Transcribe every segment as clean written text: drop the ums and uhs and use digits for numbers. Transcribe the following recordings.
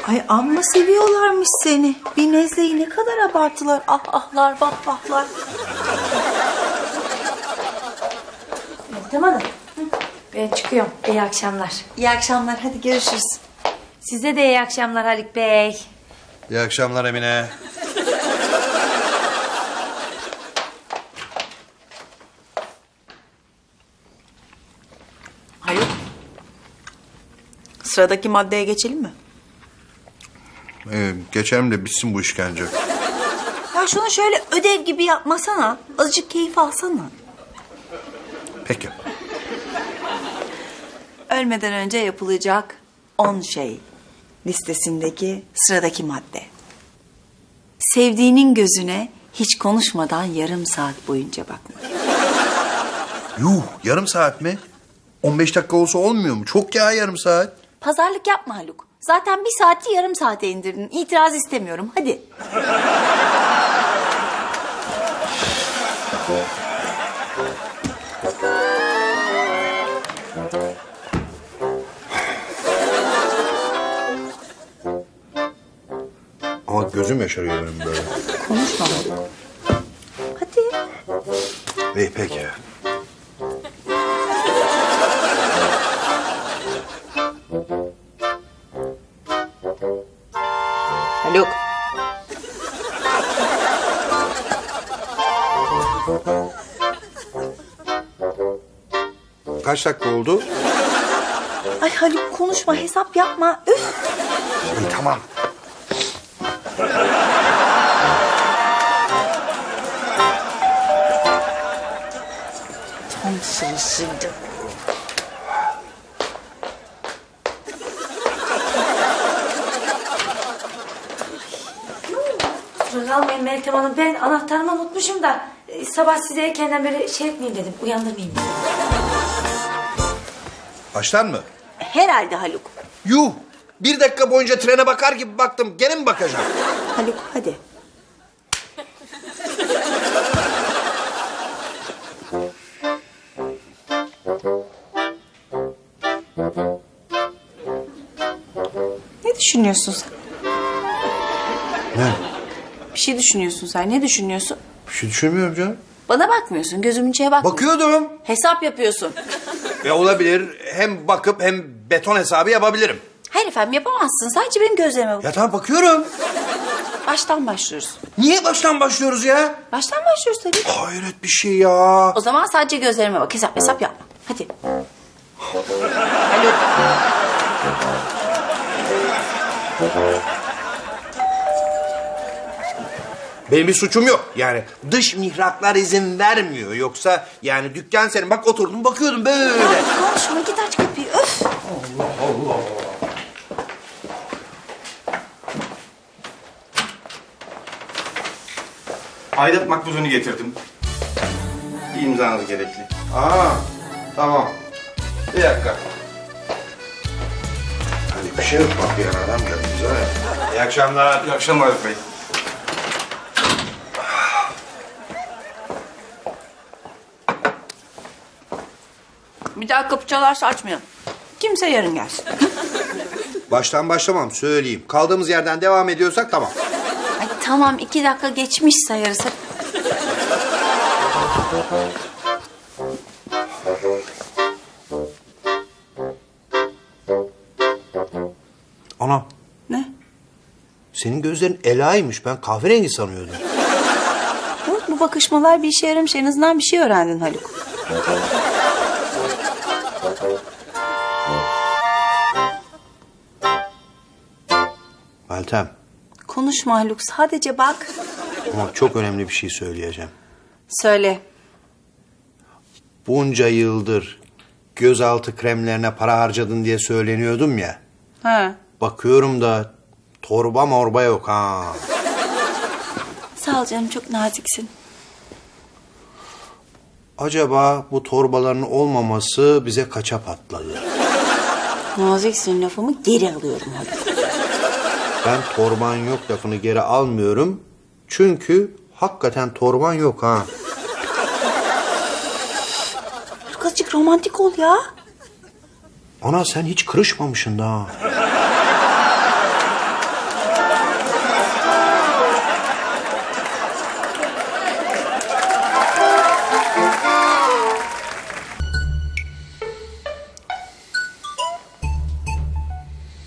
Ay amma seviyorlarmış seni. Bir nezleyi ne kadar abartılar. Ah ahlar vah vahlar. Tamam. Ben çıkıyorum. İyi akşamlar. İyi akşamlar, hadi görüşürüz. Size de iyi akşamlar Haluk Bey. İyi akşamlar Emine. Haluk. Sıradaki maddeye geçelim mi? Geçelim de bitsin bu işkence. Ya şunu şöyle ödev gibi yapmasana. Azıcık keyif alsana. Peki. Ölmeden önce yapılacak 10 şey listesindeki sıradaki madde. Sevdiğinin gözüne hiç konuşmadan yarım saat boyunca bakmak. Yuh, yarım saat mi? 15 dakika olsa olmuyor mu? Çok ya yarım saat. Pazarlık yapma Haluk. Zaten bir saati yarım saate indirdin. İtiraz istemiyorum. Hadi. Ama gözüm yaşarıyor benim böyle. Konuşma Haluk. Hadi. İyi peki. Haluk. Kaç dakika oldu? Ay Haluk konuşma, hesap yapma. Üf. İyi tamam. Tam sırasıydı. Kusura kalmayın Meltem Hanım. Ben anahtarımı unutmuşum da sabah size erkenden böyle şey etmeyeyim dedim. Uyandırmayayım dedim. Baştan mı? Herhalde Haluk. Yuh! 1 dakika boyunca trene bakar gibi baktım. Gene mi bakacağım? Haluk hadi. Ne düşünüyorsun sen? Ne? Bir şey düşünüyorsun sen. Ne düşünüyorsun? Bir şey düşünmüyorum canım. Bana bakmıyorsun. Gözümün içine bakmıyorsun. Bakıyordum. Hesap yapıyorsun. Olabilir. Hem bakıp hem beton hesabı yapabilirim. Hayır efendim yapamazsın. Sadece benim gözlerime bak. Ya tamam bakıyorum. Baştan başlıyoruz. Niye baştan başlıyoruz ya? Baştan başlıyoruz tabii. Hayret bir şey ya. O zaman sadece gözlerime bak. Hesap yapma. Hadi. Haluk. Benim bir suçum yok. Yani dış mihraklar izin vermiyor. Yoksa yani dükkan senin. Bak oturdum bakıyordum böyle. Konuşma git aç kapıyı. Öf. Aidat makbuzunu getirdim. Bir imzanız gerekli. Aa, tamam. Bir dakika. Hani bir şey yok bak bir adam geldi bize. İyi akşamlar. İyi akşamlar Haluk Bey. Bir daha kapı çalarsa açmayalım. Kimse yarın gelsin. Baştan başlamam söyleyeyim. Kaldığımız yerden devam ediyorsak tamam. Ay tamam 2 dakika geçmiş sayarız. Ana, Ne? senin gözlerin Ela'ymış. Ben kahverengi sanıyordum. Bu bakışmalar bir işe yaramış. En azından bir şey öğrendin Haluk. Meltem, Konuşma Haluk. Sadece bak. ama çok önemli bir şey söyleyeceğim. Söyle. Bunca yıldır gözaltı kremlerine para harcadın diye söyleniyordum ya. Ha. Bakıyorum da torba morba yok ha. Sağ ol canım çok naziksin. Acaba bu torbaların olmaması bize kaça patladı? Naziksin lafımı geri alıyorum Haluk. Ben torban yok lafını geri almıyorum. Çünkü hakikaten torban yok ha. Haluk azıcık romantik ol ya. Ana sen hiç kırışmamışsın daha.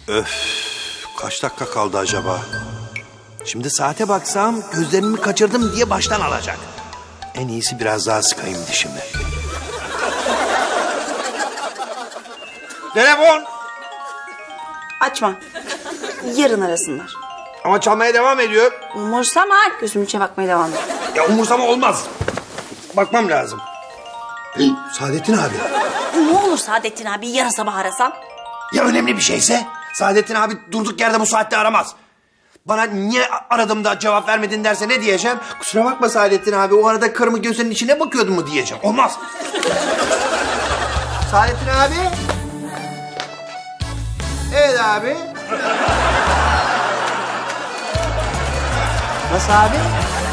Kaç dakika kaldı acaba? Şimdi saate baksam gözlerimi kaçırdım diye baştan alacak. En iyisi biraz daha sıkayım dişimi. Telefon! Açma. Yarın arasınlar. Ama çalmaya devam ediyor. Umursama. Gözümün içine bakmaya devam et. Ya umursama olmaz. Bakmam lazım. Hey, Saadettin abi. Ne olur Saadettin abi yarın sabah arasan. Ya önemli bir şeyse? Saadettin abi durduk yerde bu saatte aramaz. Bana niye aradım da cevap vermedin derse ne diyeceğim? Kusura bakma Saadettin abi, o arada karımı gözünün içine bakıyordum mu diyeceğim. Olmaz. Saadettin abi. Evet abi. Nasıl abi?